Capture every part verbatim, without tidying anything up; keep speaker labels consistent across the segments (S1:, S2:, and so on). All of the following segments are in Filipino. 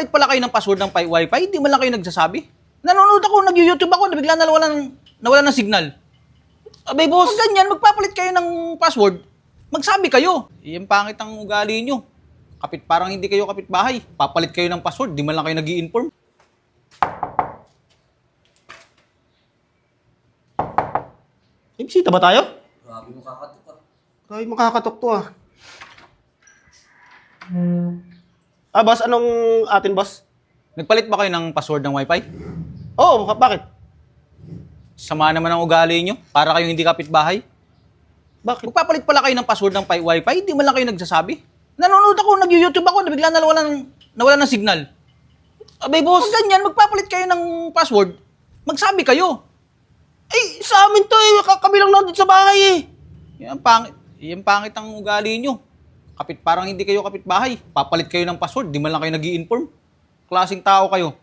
S1: Magpapalit pala kayo ng password ng pi- wifi, hindi man lang kayo nagsasabi. Nanonood ako, nag-YouTube ako, nabigla na nawala ng, nawala ng signal. Abay, boss, pag ganyan, magpapalit kayo ng password, magsabi kayo. Yung pangit ang ugali nyo. Kapit, parang hindi kayo kapitbahay. Papalit kayo ng password, di man lang kayo nag-i-inform.
S2: May bisita ba tayo?
S3: Grabe mo kakatok ah.
S2: Ay, makakatok to ah. Ah, boss, anong atin, boss?
S1: Nagpalit ba kayo ng password ng wifi?
S2: Oo, oh, bakit?
S1: Sama naman ang ugali nyo, para kayong hindi kapitbahay.
S2: Bakit?
S1: Magpapalit pala kayo ng password ng pi- wifi, di man lang kayo nagsasabi. Nanonood ako, nag-YouTube ako, nabigla na nawala ng, nawala ng signal. Abay, boss, pag ganyan, magpapalit kayo ng password, magsabi kayo.
S2: Ay, sa amin to eh. Kami lang nandun sa bahay eh.
S1: Yan pangit, yan pangit ang ugali nyo. Kapit, parang hindi kayo kapitbahay. Papalit kayo ng password, di man lang kayo nag-i-inform. Klaseng tao kayo.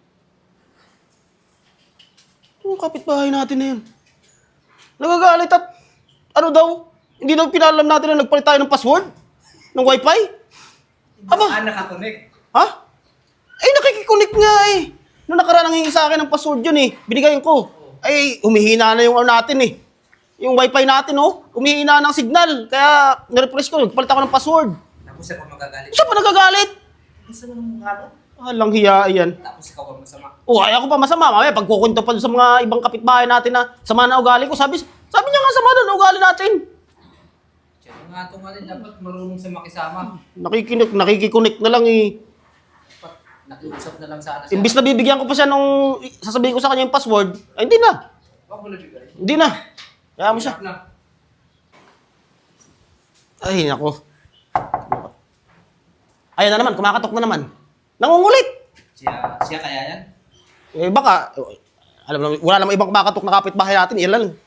S2: Yung kapitbahay natin na yun. Nagagalit at ano daw? Hindi daw pinalam natin na nagpalit tayo ng password? Ng wifi? Aba?
S3: Ah, nakakonect.
S2: Ha? Ay, nakikikunik nga eh. Noong nakaraan nangingi sa akin ng password yun eh. Binigayin ko. Ay, humihina na yung ano natin eh. Yung wifi natin oh. Humihina ng signal. Kaya nirefresh ko, nagpalit ako ng password.
S3: Tapos ako magagalit.
S2: Siya pa nagagalit.
S3: Gusto mo ng mukha no?
S2: Alang hiya yan.
S3: Tapos ikaw ang masama.
S2: Oh, ay ako pa masama. Mamaya, pagkukunto pa sa mga ibang kapitbahay natin na sama na ugali ko, sabi, sabi niya nga sama na ugali natin.
S3: Siya nga ito nga rin dapat marunong sa makisama.
S2: Nakikinik, nakikikunik na lang eh.
S3: Dapat nakiusap na lang sana siya.
S2: Imbis na bibigyan ko pa siya nung sasabihin ko sa kanya yung password, ay hindi na.
S3: Huwag mo nabigay.
S2: Hindi na. Kaya mo siya.
S3: Na.
S2: Ay, nako. Ayan na naman, kumakatok na naman. Nangungulit.
S3: Siya, siya kaya yan?
S2: Eh baka, alam naman, wala namang ibang kumakatok na kapitbahay natin, ilan lang.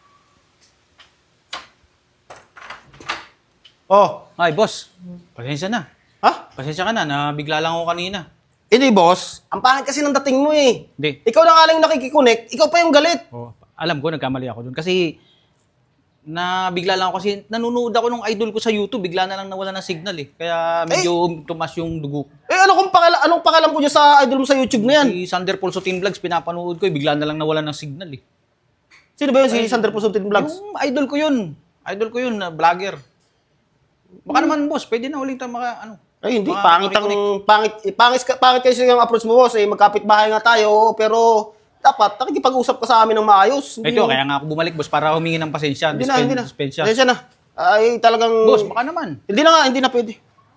S2: Oh,
S1: Ay, boss. Pasensya na.
S2: ha?
S1: Pasensya ka na, nabigla lang ako kanina.
S2: Hindi, boss. Ang pangit kasi ng dating mo eh.
S1: Hindi.
S2: Ikaw na nga lang yung nakikikonek, ikaw pa yung galit.
S1: Oh, alam ko, nagkamali ako dun. Kasi, nabigla lang ako kasi nanonood ako ng idol ko sa YouTube, bigla na lang nawala ng signal eh. Kaya medyo tumas yung dugo.
S2: Eh ano kung pakala, anong pakialam ko dyan sa idol mo sa YouTube na yan?
S1: Si Sander Pulso Team Vlogs, pinapanood ko eh, bigla na lang nawala ng signal eh.
S2: Sino ba yun? Si Sander Pusuntin Vlogs?
S1: Yung idol ko yun. Idol ko yun, na vlogger. Baka naman boss, pwede na ulit tayo maka, ano.
S2: Ay, hindi.
S1: Mga
S2: Pangit ang,
S1: connect.
S2: pangit, eh, pangit, ka- pangit kasi yung approach mo, boss. Eh, magkapit bahay nga tayo, pero dapat, nakikipag-usap ka sa amin ng maayos. Hindi
S1: Ito,
S2: yung-
S1: kaya nga ako bumalik boss para humingi ng pasensya.
S2: Hindi na,
S1: Dispen-
S2: hindi na.
S1: Dispensya.
S2: Pasensya na. Ay, talagang...
S1: Boss, baka naman.
S2: Hindi na nga, hindi na pwede.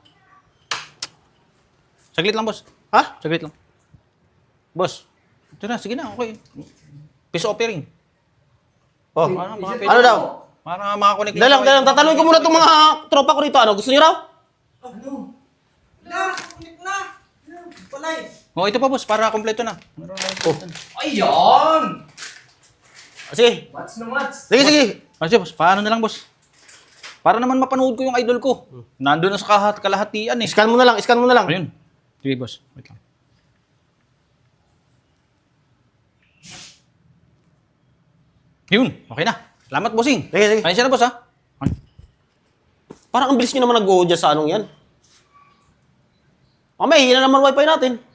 S1: Saglit lang boss.
S2: Ha?
S1: Saglit lang. Boss, ito na, sige na, okay. Peace offering.
S2: Oh.
S1: Ano, mga
S2: Ano daw?
S1: Para makakonect
S2: Dahil lang, dahil lang. Tatanungin ko muna itong mga tropa ko rito. Ano, gusto niyo raw?
S3: Ano? Na! Kunik na! Palay!
S1: Oh, ito pa boss, para kompleto na.
S2: Oh.
S3: Ayun!
S2: Sige.
S3: What's na what's?
S2: Sige, sige.
S1: Ah, sige boss, paano na lang boss? Para naman mapanood ko yung idol ko. Nandun na sa kahat kalahatian eh.
S2: Scan mo na lang, scan mo na lang.
S1: Ayun. Sige boss, wait lang. Yun, okay na. Salamat bossing.
S2: Sige, sige.
S1: Ayun siya na boss ha. Ay,
S2: Parang ang bilis nyo naman nag-go dyan sa anong yan. Mamaya, hihina naman wifi natin.